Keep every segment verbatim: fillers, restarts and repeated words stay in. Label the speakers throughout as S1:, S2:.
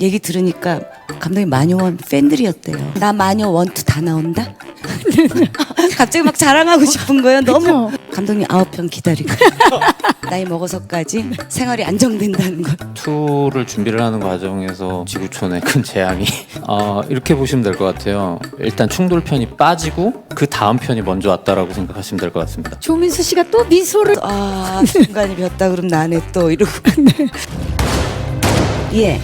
S1: 얘기 들으니까 감독님 마녀원 팬들이었대요. 나 마녀 원투 다 나온다? 갑자기 막 자랑하고 싶은 거예요. 너무 감독님 아홉 편 기다리고 나이 먹어서까지 생활이 안정된다는 걸.
S2: 투를 준비를 하는 과정에서 지구촌의 큰 재앙이 어, 이렇게 보시면 될 것 같아요. 일단 충돌 편이 빠지고 그 다음 편이 먼저 왔다라고 생각하시면 될 것 같습니다.
S3: 조민수 씨가 또 미소를
S1: 아 순간이 폈다 그럼 나네 또 이러고. 예.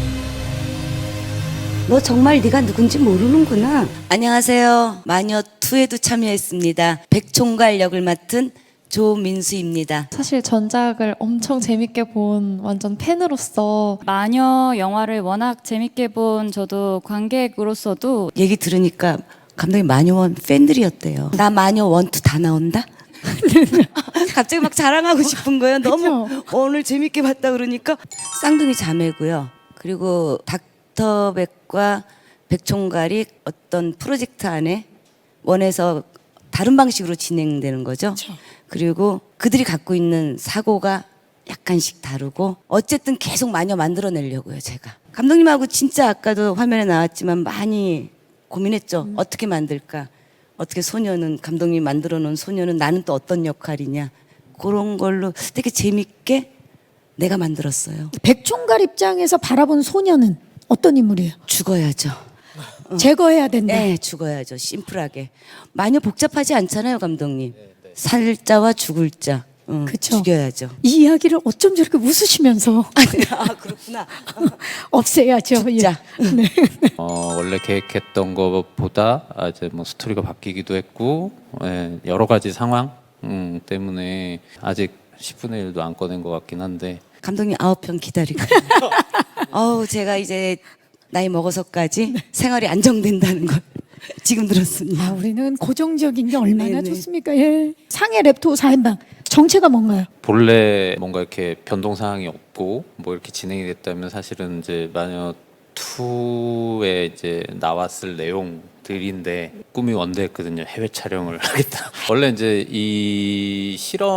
S1: 너 정말 네가 누군지 모르는구나. 안녕하세요. 마녀투에도 참여했습니다. 백총괄 역을 맡은 조민수입니다.
S4: 사실 전작을 엄청 재밌게 본 완전 팬으로서
S5: 마녀 영화를 워낙 재밌게 본 저도 관객으로서도
S1: 얘기 들으니까 감독님 마녀원 팬들이었대요. 나 마녀 원투 다 나온다? 갑자기 막 자랑하고 싶은 거예요. 너무 오늘 재밌게 봤다 그러니까. 쌍둥이 자매고요. 그리고 닥터백과 백총괄이 어떤 프로젝트 안에 원해서 다른 방식으로 진행되는 거죠. 그쵸. 그리고 그들이 갖고 있는 사고가 약간씩 다르고 어쨌든 계속 마녀 만들어내려고요. 제가 감독님하고 진짜 아까도 화면에 나왔지만 많이 고민했죠. 음. 어떻게 만들까, 어떻게 소녀는 감독님이 만들어 놓은 소녀는 나는 또 어떤 역할이냐, 그런 걸로 되게 재밌게 내가 만들었어요.
S3: 백총괄 입장에서 바라본 소녀는 어떤 인물이에요?
S1: 죽어야죠.
S3: 어. 제거해야 된다.
S1: 네, 죽어야죠. 심플하게. 마녀 복잡하지 않잖아요, 감독님. 살자와 죽을 자. 응,
S3: 그쵸.
S1: 죽여야죠.
S3: 이 이야기를 어쩜 저렇게 웃으시면서
S1: 아, 그렇구나.
S3: 없애야죠.
S1: 죽자.
S3: 예. 네.
S2: 어, 원래 계획했던 것보다 아, 이제 뭐 스토리가 바뀌기도 했고 예, 여러 가지 상황 음, 때문에 아직 십분의 일도 안 꺼낸 것 같긴 한데
S1: 감독님 아홉 편 기다리고. 어우, 제가 이제 나이 먹어서까지 생활이 안정된다는 걸 지금 들었습니다.
S3: 아, 우리는 고정적인 게 얼마나
S1: 네네.
S3: 좋습니까? 예. 상해 랩토 사인방 정체가 뭔가요?
S2: 본래 뭔가 이렇게 변동 사항이 없고 뭐 이렇게 진행이 됐다면 사실은 이제 마녀 투에 이제 나왔을 내용들인데 꿈이 원대했거든요. 해외 촬영을 하겠다. 원래 이제 이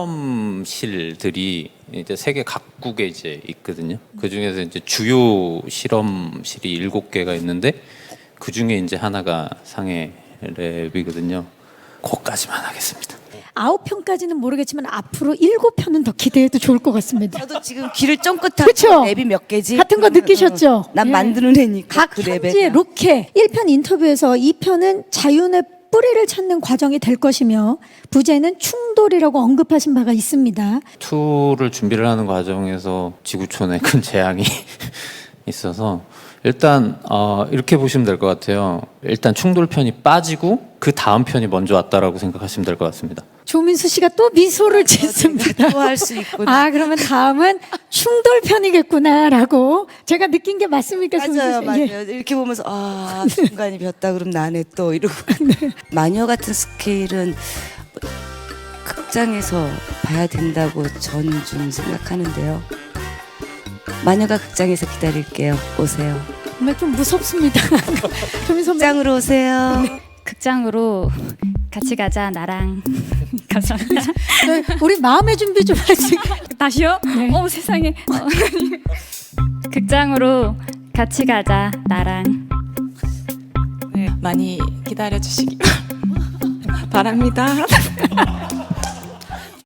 S2: 실험실들이 이제 세계 각국에 이제 있거든요. 그 중에서 이제 주요 실험실이 일곱 개가 있는데 그 중에 이제 하나가 상해 랩이거든요. 그거까지만 하겠습니다.
S3: 아홉 편까지는 모르겠지만 앞으로 일곱 편은 더 기대해도 좋을 것 같습니다.
S1: 저도 지금 귀를 쫑긋하고
S3: 그쵸?
S1: 랩이 몇 개지?
S3: 같은 거 느끼셨죠?
S1: 난
S3: 예.
S1: 만드는 애니까.
S3: 각
S1: 그
S3: 현지의
S1: 랩에.
S3: 로케 일 편 인터뷰에서 이 편은 자윤의 뿌리를 찾는 과정이 될 것이며 부제는 충돌이라고 언급하신 바가 있습니다.
S2: 투를 준비를 하는 과정에서 지구촌의 큰 재앙이 있어서 일단 어, 이렇게 보시면 될 것 같아요. 일단 충돌 편이 빠지고 그 다음 편이 먼저 왔다라고 생각하시면 될 것 같습니다.
S3: 조민수 씨가 또 미소를 짓습니다.
S1: 또 할 수 있구나.
S3: 아, 그러면 다음은 충돌 편이겠구나라고 제가 느낀 게 맞습니까,
S1: 맞아요,
S3: 조민수 씨?
S1: 맞아요.
S3: 예.
S1: 이렇게 보면서 아 순간이 폈다 그럼 나네 또 이러고. 마녀 같은 스케일은 극장에서 봐야 된다고 저는 좀 생각하는데요. 마녀가 극장에서 기다릴게요. 오세요.
S3: 정말 좀 무섭습니다. 조민수 선배.
S1: 극장으로 오세요.
S5: 극장으로 같이 가자 나랑. 감사합니다.
S3: 네, 우리 마음의 준비 좀 하시.
S5: 다시요?
S3: 네.
S5: 어 세상에. 어. 극장으로 같이 가자 나랑.
S6: 네, 많이 기다려 주시기 바랍니다.